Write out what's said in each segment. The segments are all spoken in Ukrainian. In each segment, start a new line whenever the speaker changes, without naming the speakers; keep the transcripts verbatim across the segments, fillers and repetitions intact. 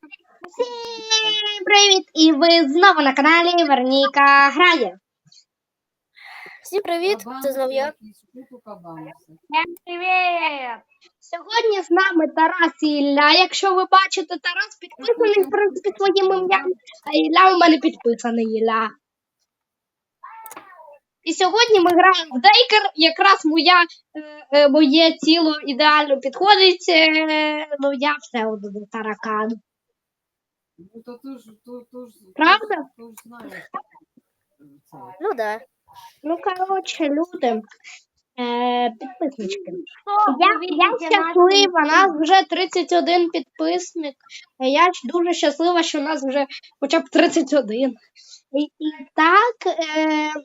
Всім привіт! І ви знову на каналі Вероніка Грає.
Всім привіт, це знов я.
Всім привіт! Сьогодні з нами Тарас і Ілля. Якщо ви бачите, Тарас підписаний, в принципі, своїм ім'ям, а Ілля у мене підписаний Ілля. І сьогодні ми граємо в Дейкер. Якраз моя, е, моє тіло ідеально підходить, е, ну я все одно таракан.
Ну, то ти ж, то, то ж,
Правда?
то ж знаєш. Це.
Ну да.
Ну, коротше, люди, е, підписнички.
Что
Я,
вы
я
видите
щаслива, нас вже тридцять один підписник. Я ж дуже щаслива, що нас вже хоча б тридцять один. І, і так, е,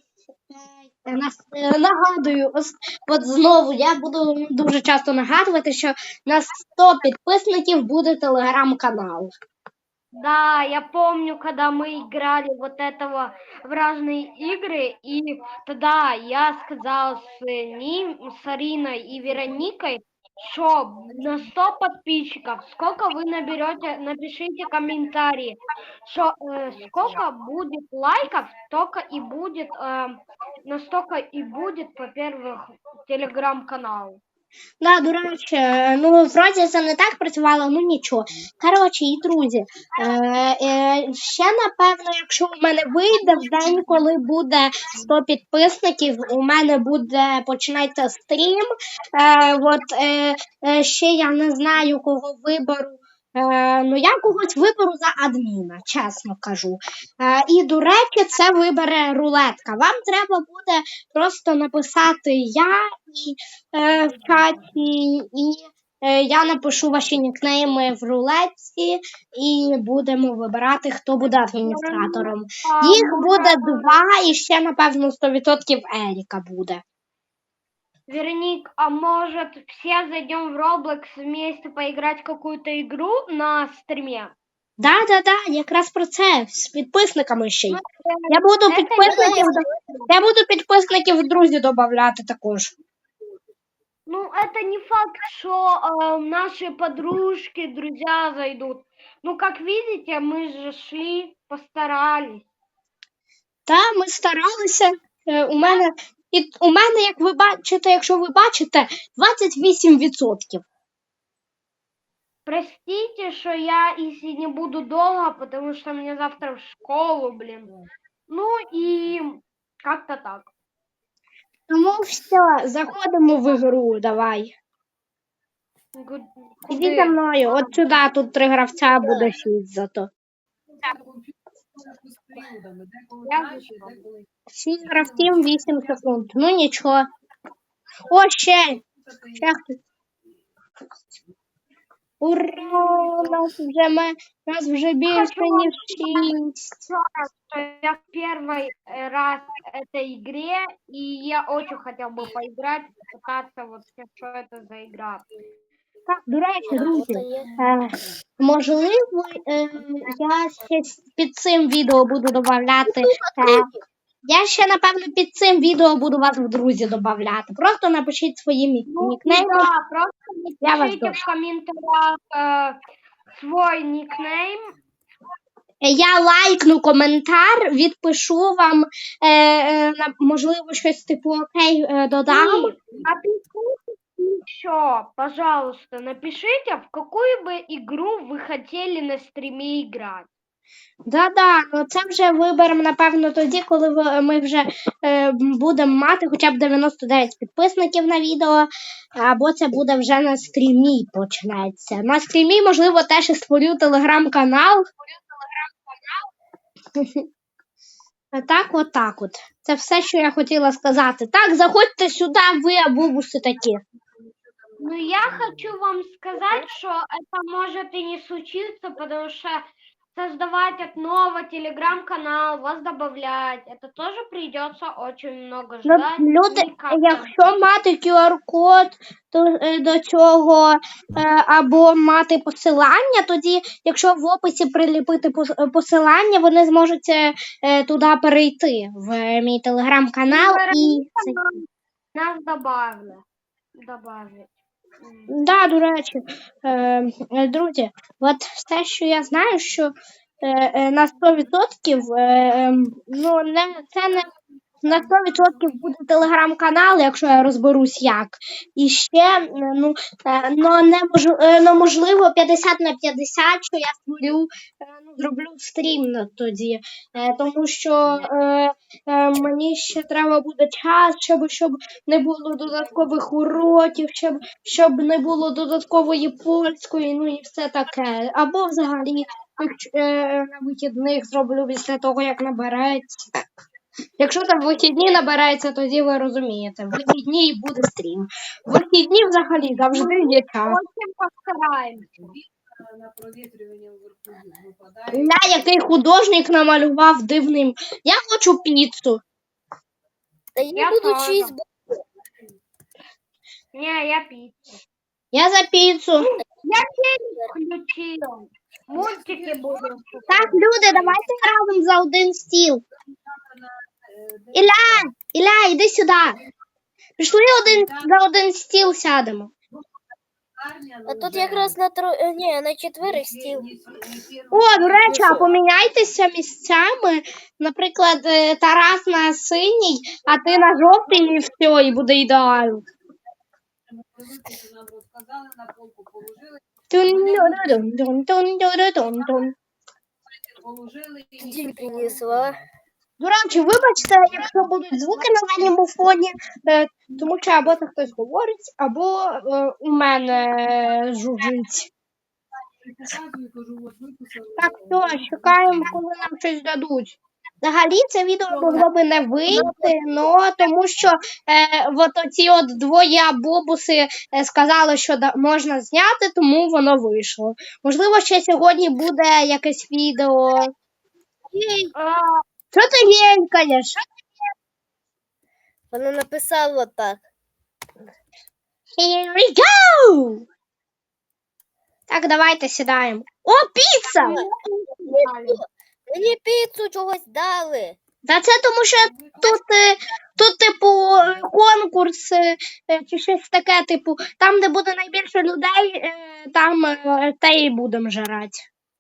е, нас, е, нагадую, ось, от знову я буду дуже часто нагадувати, що на сто підписників буде телеграм-канал.
Да, я помню, когда мы играли вот этого в разные игры, и тогда я сказал с ним, с Ариной и Вероникой, что на сто подписчиков, сколько вы наберете, напишите комментарии, что э, сколько будет лайков, только и будет, э, настолько и будет, во-первых, телеграм-канал.
Да, до речі, ну, вроді це не так працювало, ну нічого. Коротше, і друзі, е, е, ще, напевно, якщо у мене вийде в день, коли буде сто підписників, у мене буде, починається стрім, е, от, е, е, ще я не знаю, кого виберу. Е, ну, я когось виберу за адміна, чесно кажу. Е, і, до речі, це вибере рулетка. Вам треба буде просто написати я і е, в чаті, і е, я напишу ваші нікнейми в рулетці, і будемо вибирати, хто буде адміністратором. Їх буде два, і ще, напевно, сто відсотків Еріка буде.
Вероник, а может все зайдем в Roblox вместе поиграть в какую-то игру на стриме?
Да-да-да, якраз про це, з підписниками ще й.
Ну,
Я буду
це
підписників, я буду підписників в друзі додавати також.
Ну, это не факт, что э, наши подружки, друзья зайдут. Ну, как видите, мы же шли, постарались.
Та, ми старалися. Е, у мене, і, у мене, як ви бачите, якщо ви бачите, двадцять вісім відсотків.
Простите, что я, если не буду долго, потому что мне завтра в школу, блин. Ну, и как-то так.
Тому все, заходимо в ігру, давай.
Гу-
Іди
куди?
за мною, от сюди, тут три гравця, буде шість зато.
З періодами, деколи
Я
краще,
зайшла.
деколи.
Шість гравців, вісім секунд. Ну нічого. О, ще! Ще хтось. Ура! Нас вже, ми, нас вже більше, ніж шість.
Что я в первый э, раз этой игре, и я очень хотел бы поиграть, попытаться вот что это за игра.
Так, до речі, друзі, е, можливо, е, я ще с- під цим відео буду додавати. Е, я ще, напевно, під цим відео буду вас в друзі додавати. Просто напишіть свої мі-
Ну,
нікнейми.
да, просто
Я вас
напишите
тоже.
в комментариях э, свой никнейм.
Е, Я лайкну коментар, відпишу вам, е, е, на- можливо, щось типу окей е, додам.
И напишите еще, пожалуйста, напишите, в какую бы игру вы хотели на стриме играть.
Да-да, ну це вже виберемо, напевно, тоді, коли ви- ми вже е, будемо мати хоча б дев'яносто дев'ять підписників на відео, або це буде вже на стрімі почнеться. На стрімі, можливо, теж і створю телеграм-канал. А так, от так от. Це все, що я хотіла сказати. Так, заходьте сюди, ви абубуси такі.
Ну, я хочу вам сказать, что это может и не случиться, потому что создавать от нового телеграм-канал, вас добавлять, это тоже придется очень много
Ну,
ждать.
люди,
и как-то-
якщо мати кю ар-код то, е, до цього, е, або мати посилання, тоді, якщо в описі приліпити пос- посилання, вони зможуть е, е, туди перейти, в мій телеграм-канал. І це-
Нас добавили. Добавить.
Да, до речі, е, е, друзі, от все, що я знаю, що е, е, на сто відсотків, е, е, ну, не, це не на сто відсотків буде телеграм-канал, якщо я розберусь як. І ще, е, ну, е, ну, немож, е, ну, можливо, п'ятдесят на п'ятдесят, що я створю, е, ну, зроблю стрім на тоді. Е, тому що е, е, мені ще треба буде час, щоб, щоб не було додаткових уроків, щоб, щоб не було додаткової польської, ну і все таке. Або взагалі е, на вихідних зроблю після того, як набереться. Якщо там вихідні набирається, тоді ви розумієте. Вихідні і буде стрім. Вихідні взагалі завжди є час.
Очень постараемся.
Він на провітрювання вверху випадає.
Ля, який художник намалював дивним. Я хочу піцу.
Та я,
Я
буду
тоже.
чизбургер.
Не, я пиццу.
Я за піцу.
Я телек включил. Мультики будем.
Так, люди, давайте разом за один стіл. Ілля, Ілля, іди сюди. Пішли один за один стіл сядемо.
А тут якраз на тро... е, ні, на четверих стіл.
О, до речі, а поміняйтеся місцями. Наприклад, е, Тарас на синій, а ти на жовтий, і все, і буде ідеально.
Нам розказали, на полку положили,
Тун-дун-дун-дун-дун-дун-дун.
положили і
Діль принесла.
До речі, вибачте, якщо будуть звуки на задньому фоні, е, тому що або це хтось говорить, або е, у мене жужжить.
показую, кажу, от виписали.
Так, все, чекаємо, коли нам щось дадуть. Взагалі це відео могло би не вийти, но тому що е, от оці от двоє бобуси е, сказали, що да, можна зняти, тому воно вийшло. Можливо, ще сьогодні буде якесь відео.
А,
Що ти генькаєш?
Вона написала так.
Here we go! Так, давайте сідаємо. О, піца!
Мені піцу чогось дали.
Та це тому, що тут, е, тут типу, е, конкурс е, е, чи щось таке, типу, там, де буде найбільше людей, е, там е, те і будемо жрати.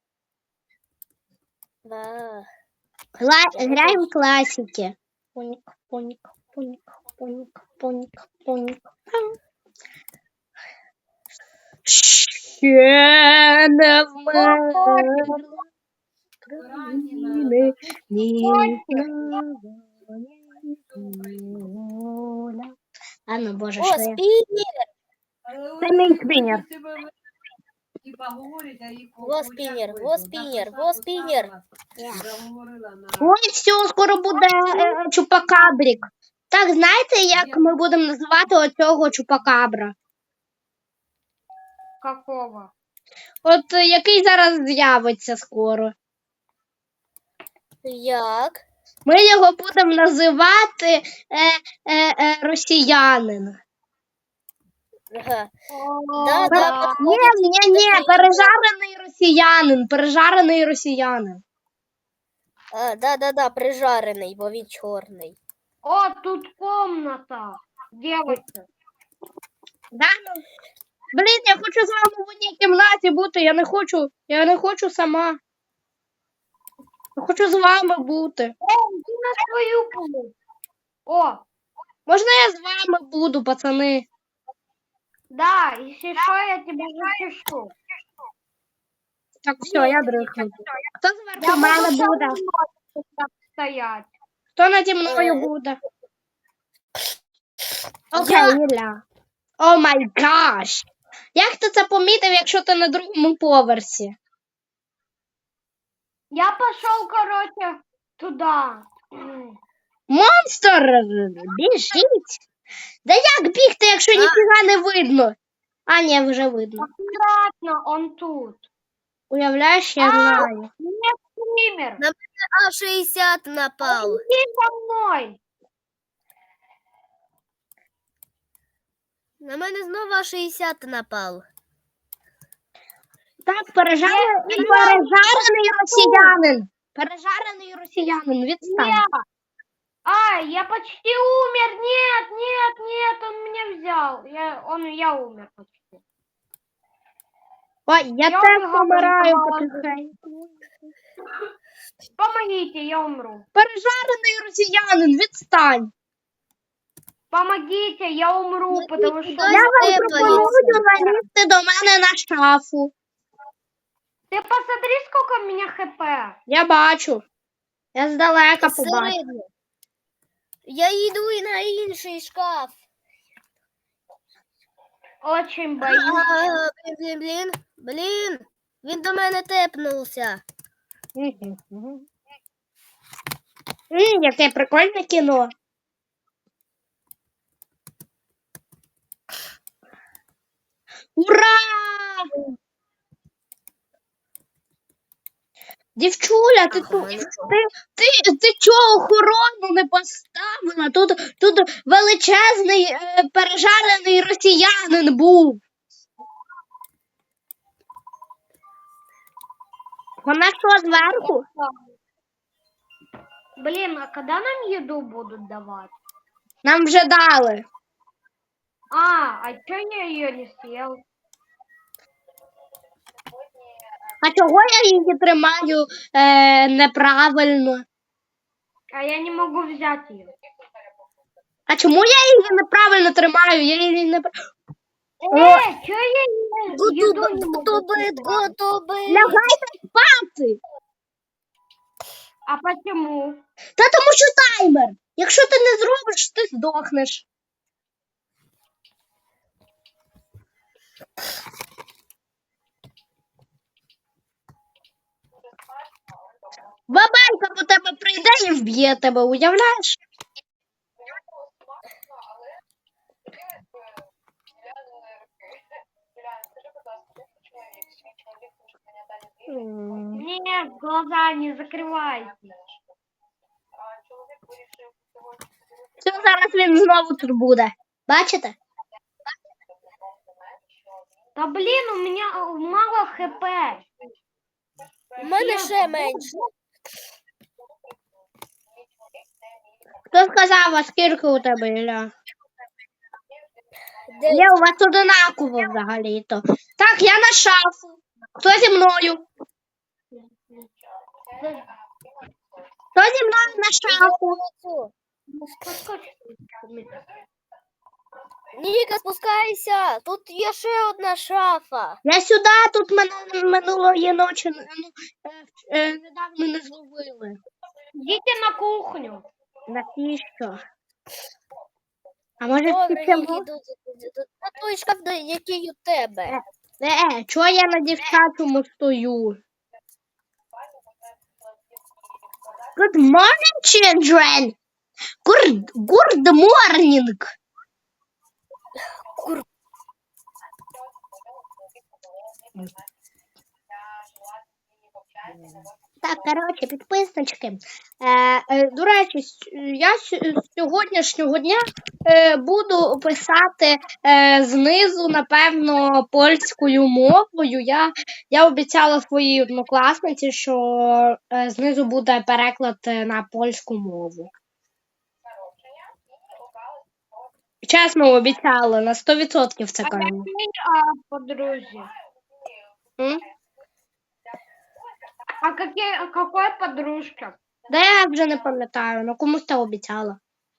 Да.
Гла- Граємо класики. Понік, понік, понік, понік, понік, понік. Ще не вмерла країни, ні слава, ні воля. А ну, боже,
О,
що я?
спінер.
Це мій спінер.
Типа говорять, а їх
Во спінер, во спінер, во спінер.
Заговорила на...
Ой, все, скоро буде е, чупакабрік. Так, знаєте, як ми будемо називати оцього чупакабра?
какого?
От е, який зараз з'явиться скоро.
Як?
Ми його будемо називати е, е, е, росіянин.
Ага.
О,
Да,
Пер...
да.
Ні, ні, ні, пережарений росіянин, пережарений росіянин.
А, да, да, да, прижарений, бо він чорний.
О, тут комната. Девочка.
Да? ну? Блін, я хочу з вами в одній кімнаті бути, я не хочу, я не хочу сама. Я хочу з вами бути.
О, иди на свою полу. О,
Можна я з вами буду, пацани?
да, если что, я тебя запишу.
Так, все, я дрихну. Хто зверху
Я
мене
буду
буде?
там стоять.
Хто наді мною
Е.
буде? Окей, Ілля. О май гаш! Як ти це помітив, якщо ти на другому поверсі?
Я пошел, короче, туда. М.
Монстр! Біжіть! Да як бігти, якщо ніфіга не видно? А, ні, вже видно.
Аккуратно, он тут.
Уявляєш, я знаю.
Нет, стример.
А шістдесят напав.
Иди за мной.
На мене знову А шістдесят напав.
Так, пережарений, пережарений росіянин. Пережарений росіянин, відстань.
Я. Ай, я почти умер. Нет, нет, нет, он меня взял. Я, он, я умер почти.
Ой, я
Я
теж
убегала,
помираю
убегала.
потихеньку.
Помогите, я умру.
Пережарений росіянин, відстань.
Помогите, я умру,
Ну,
потому
куди
что...
Я
я
вам
тебе
пропоную залізти до мене на шафу.
Ты посмотри, сколько у меня хп.
Я бачу. Я здалека побачу.
Середньо. Я йду і на інший шкаф.
Очень боюсь.
А, блін, блін, блін, блін. Він до мене тепнувся.
Мгм, мгм. М, яке прикольне кіно. Ура! Дівчуля, ти,
Ах, у
ту-
мене
ти, ти, ти чого охорону не поставила? Тут, тут величезний е, пережарений росіянин був. Вона що, зверху?
Блин, а когда нам еду будут давать?
Нам вже дали.
А, а чё я ее не съел?
А чого я її тримаю е, неправильно?
А я не могу взять ее.
А чому я її неправильно тримаю? Я її не...
Э, чё я не- еду
Готове,
не могу?
готове, готове.
Лягайте спати.
А почему?
Та тому що таймер. Якщо ти не зробиш, ти здохнеш. Бабайка по тебе прийде і вб'є тебе, уявляєш? М.
Нет, глаза не закрывайте.
Все, зараз він знову тут буде. Бачите?
Да блин, у меня э, мало хп.
У мене ще менше.
Хто сказав, а скільки у тебе, Ілля?
Де?
Є, у вас одинаково взагалі-то. Так, я на шафу. Хто зі мною? Хто зі мною на шафу?
Цю.
Подскочь.
Ніка, спускайся. Тут є ще одна шафа.
Я сюди, тут мене минулої ночі ну, е, е, недавно не зловили.
Идите на кухню.
Навіщо? А може
Добре,
всі
Нікі, тут, тут на той шкаф, де- який у тебе.
Е, чого я на дівчачому стою? Good morning, children! Good, good morning!
Кур-
Так, коротше, підписнички. Е, е, до речі, с- я с- з сьогоднішнього дня е, буду писати е, знизу, напевно, польською мовою. Я, я обіцяла своїй однокласниці, що е, знизу буде переклад е, на польську мову. Чесно обіцяла, на сто відсотків це
А
кажу.
какие а, подружки?
М?
А какие, а какой подружка?
Да я вже не пам'ятаю, ну комусь це обіцяла.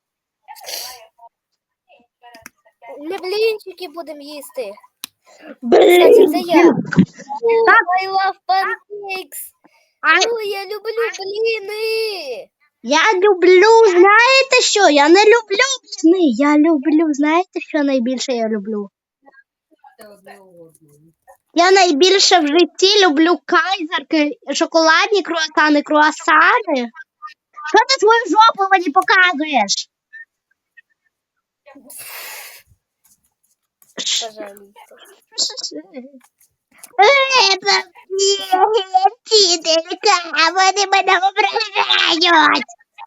Ми блінчики будемо їсти.
Блін!
Кстати, це я.
Так.
I love pancakes.
А
О, я люблю бліни.
я люблю, знаєте що? Я не люблю бліни. Я люблю, знаєте, що найбільше я люблю?
Це одне одного.
Я найбільше в житті люблю кайзерки, шоколадні круасани, круасани. Що ти свою жопу мені показуєш?
Пожалуйста.
Це вчителька, вони мене ображають.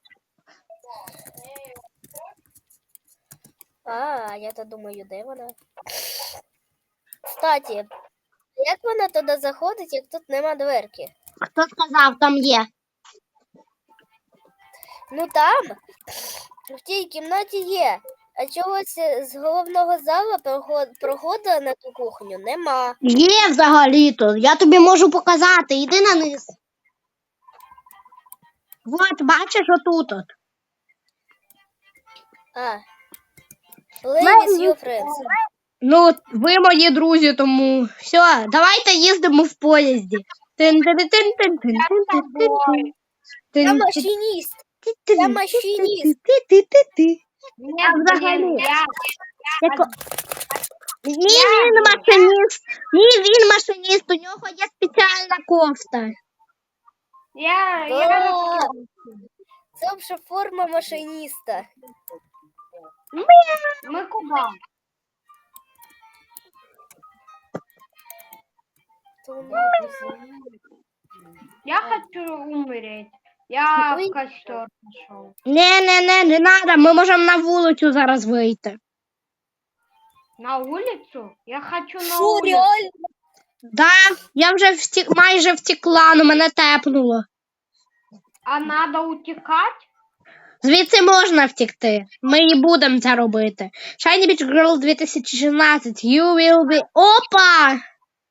А, я то думаю, де вона? Кстати, як вона туди заходить, як тут нема дверки?
Хто сказав, там є?
Ну там, в тій кімнаті є А чогось е, з головного залу проход- проходу на ту кухню нема.
Є взагалі-то. Я тобі можу показати. Іди на низ. Вот, бачиш отут. От.
А. Play with your friends.
Ну, ви мої друзі, тому все, давайте їздимо в поїзді. Тин-тин-тин-тин-тин-тин-тин-тин.
Я
Тин-
машиніст.
ти-
Я машиніст.
ти-ти-ти-ти-ти.
Нет,
взагалі.
блин, я...
Яко- Ні, він машиніст. Ні, він машиніст. У нього є спеціальна кофта.
Я...
Да.
я...
Це вже форма машиніста.
Мы куда? Я хочу умереть. Я
Ой.
в костер пошел.
Не, не, не, не треба. Ми можемо на вулицю зараз вийти.
На улицу? Я хочу на
Що,
улицу.
реально?
Да, я вже втік, майже втекла, але мене тепнуло.
А надо утекать?
Звідси можна втекти. Ми і будемо це робити. Shiny Beach Girl дві тисячі шістнадцять. You will be... Опа!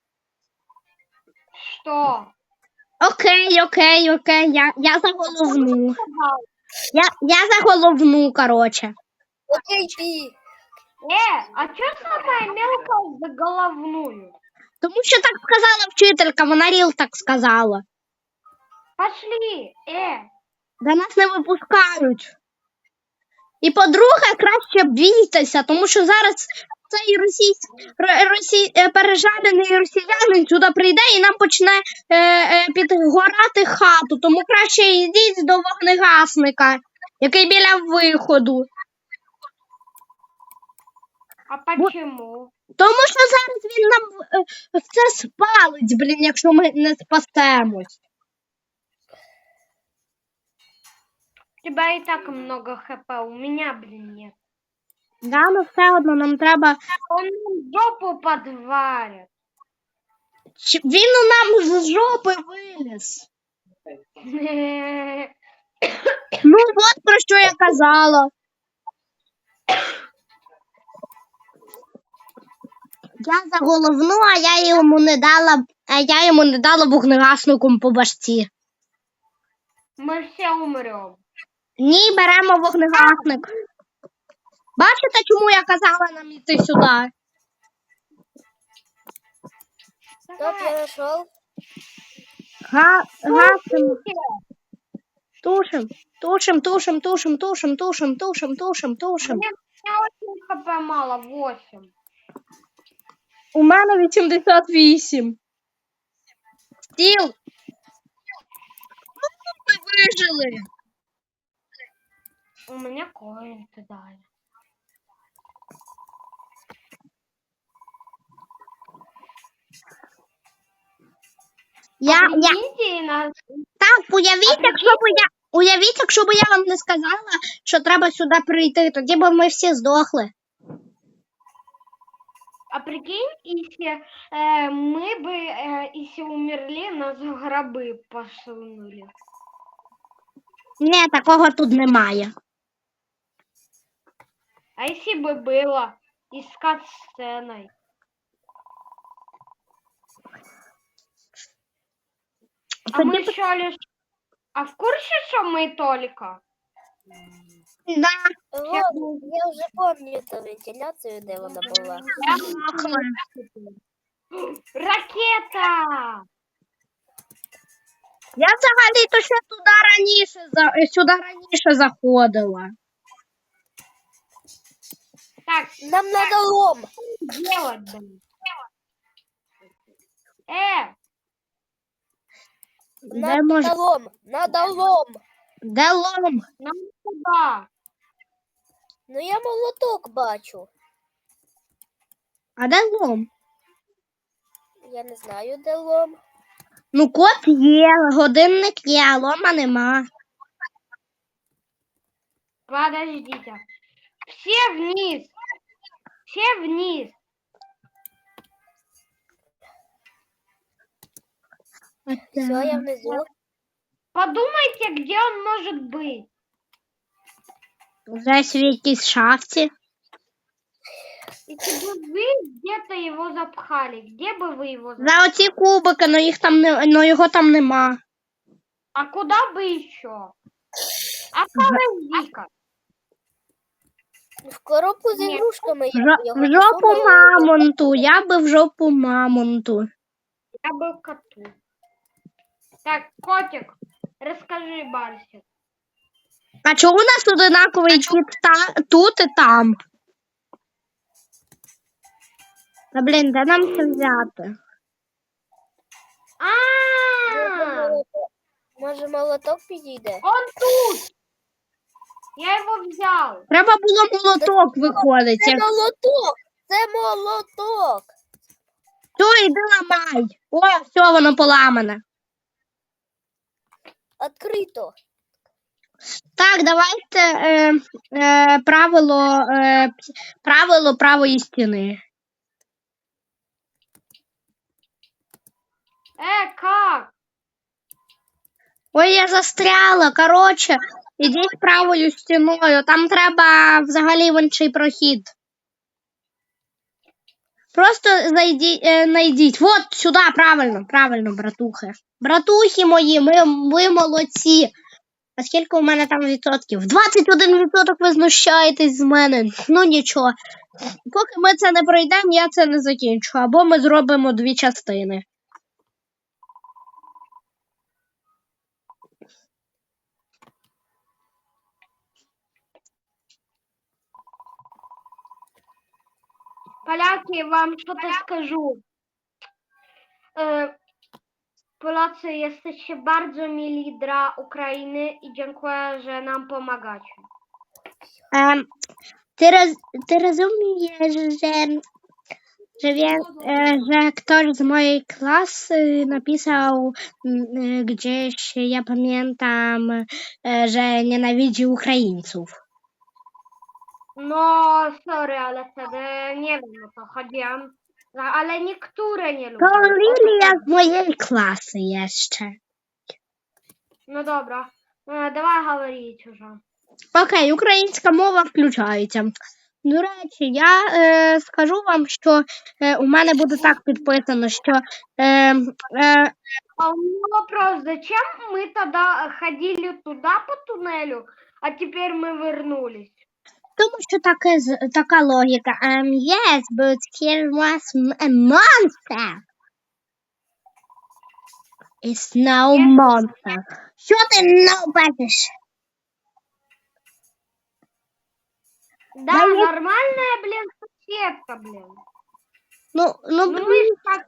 Что?
Окей, окей, окей. Я, я за головну. Я, я за головну, короче.
Окей, ти.
Э, а что самая мелкая за головную?
Тому що так сказала вчителька, вона ріл так сказала.
Пошли, э.
До нас не випускають. І, по-друге, краще бійтеся, тому що зараз цей російсь... ро- росі... е, пережарений росіянин сюди прийде і нам почне е, е, підгорати хату. Тому краще йдіть до вогнегасника, який біля виходу.
А почему?
Тому що зараз він нам е, все спалить, блін, якщо ми не спасемось.
У тебя и так много хп, у меня, блин, нет.
Да, ну все одно нам треба.
Он нам жопу подварит.
Чи- Він у нам з жопи виліз. Ну, от про що я казала. Я за головну, а я йому не дала, а я йому не дала вогнегасником по башці.
Мы все умрем.
Ні, беремо вогнегасник. Бачите, чому я казала нам йти сюди?
Так, я знайшов.
Га, гасимо. Тушим, тушим, тушим, тушим, тушим, тушим, тушим, тушим, тушим.
Мне, у меня очень хп мало, восемь.
У мене вісімдесят вісім. Стіл. Ну, ми вижили.
У меня коинты дали.
Я,
А
я,
прикиньте, на-
так, уявіть,
А
якщо б я, уявіть, якщо б я вам не сказала, що треба сюди прийти, тоді б ми всі здохли.
А прикинь, если э, мы бы, э, если умерли, нас в гробы посунули.
Ні, такого тут немає.
А если бы было и с кат-сценой? А мы
Тоді б-
еще лишь... А в курсе, что мы только?
Да,
Вот, я вже пам'ятаю ту вентиляцію, де вона була.
Ракета!
я взагалі-то ще туди раніше, за- сюди раніше заходила.
Так,
Нам надо лом.
делать, блин. Э,
Де,
Надо
може,
лом. Надо лом.
де лом?
нам сюда.
Ну я молоток бачу.
А де лом?
Я не знаю, де лом.
Ну, кот є, годинник є, а лома нема.
Подождите. Все вниз. Все вниз.
Все, я внизу.
Подумайте, где он может быть.
Десь в якійсь шафті.
Если бы вы где-то его запхали, где бы вы его запхали?
За оці кубики, но їх там не, но його там нема.
А куда бы еще? А подожди-ка.
В коробку з
Ні.
ігрушками
В,
я
жо-
б його
в жопу
засунула.
мамонту, я би в жопу мамонту.
Я был коту. Так, котик, расскажи, Барсик.
А чого у нас одинаковий кіт та, тут і там? Та блін, де нам це взяти?
А,
Може, молоток підійде?
он тут. Я его взял.
Треба було молоток виходить.
Це молоток! Це молоток!
Все, йди ламай. О, все, воно поламане.
Открито.
Так, давайте е, е, правило, е, правило правої стіни.
Э, как?
Ой, я застряла. Коротше, ідіть правою стіною. Там треба взагалі в інший прохід. Просто зайдіть, е, найдіть. Вот сюди, правильно, правильно, братухи. Братухи мої, ми, ви молодці. А скільки у мене там відсотків? двадцять один відсоток ви знущаєтесь з мене. Ну нічого. Поки ми це не пройдемо, я це не закінчу. Або ми зробимо дві частини.
Поляки, вам что-то скажу. E, Polacy, jesteście bardzo mili dla Ukrainy i dziękuję, że nam pomagacie.
Ем, ти, роз, ти розумієш, що, що, він, е, що хтось з моєї класи написав м, е, gdzieś, я пам'ятам, е, що ненавидzi українців.
No, sorry, ale wtedy nie wiem o co chodziłam. No, ale niektóre nie lubią.
To
O to
Лілія
chodzi.
з моєї класи є ще.
No dobra, e, давай говорить уже.
Окей, українська мова включається. До речі, я е, скажу вам, що е, у мене буде так підписано, що е, е,
А у меня вопрос, зачем мы тогда ходили туда по туннелю, а теперь мы вернулись?
тому що таке, з- така логіка. Um, yes, but here was m- a monster. It's no
Yes.
monster. Що ти не бачиш?
Да,
Да нет.
нормальная, блин, соседка, блин.
Ну, ну,
Ну мы ж так...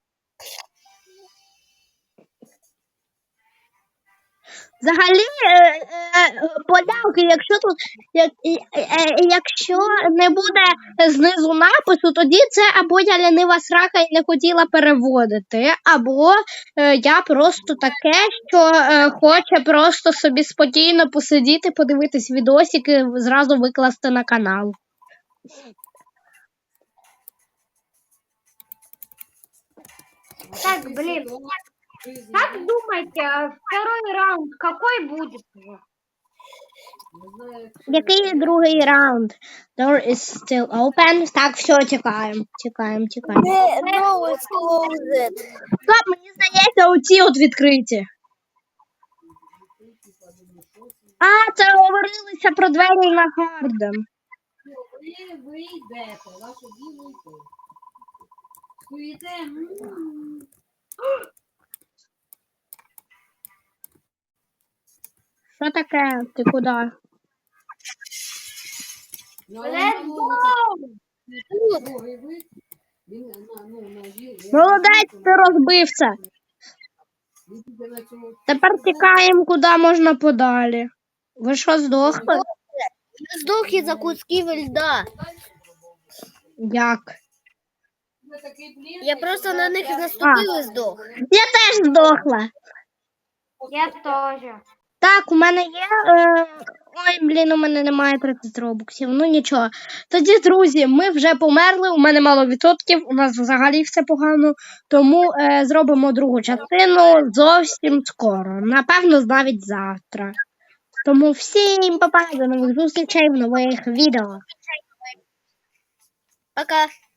взагалі, е, е, поляки, якщо тут, як, е, е, якщо не буде знизу напису, тоді це або я лянива срака і не хотіла переводити, або е, я просто таке, що е, хоче просто собі спокійно посидіти, подивитись відосики, зразу викласти на канал.
Так, блин, как думаете, а второй раунд какой будет уже?
Який другий раунд? Door is still open. Так, все, тікаємо, тікаємо, тікаємо.
Не, no, it's closed.
Стоп, мені здається, оці от відкриті. А, це говорилося про двері на Гарден.
Ви, ви йдете, ваше діло йти. Стоїте, м,
Що таке? Ти куди?
ну,
Let's
ну,
go!
другий вид, він на, ну, на жіл.
Молодець, ти розбив це.
Він піде на цього.
Тепер тікаємо куди можна подалі. Ви що, здохли?
Здох із-за кусків льда.
Як?
Ви такий блін,
Я просто на них наступив і здох.
Я теж здохла.
Я тоже.
Так, у мене є. Е... Ой, блін, у мене немає тридцять робоксів. Ну нічого. Тоді, друзі, ми вже померли, у мене мало відсотків, у нас взагалі все погано. Тому е, зробимо другу частину зовсім скоро. Напевно, навіть завтра. Тому всім па-па, до нових зустрічей в нових відео.
Пока.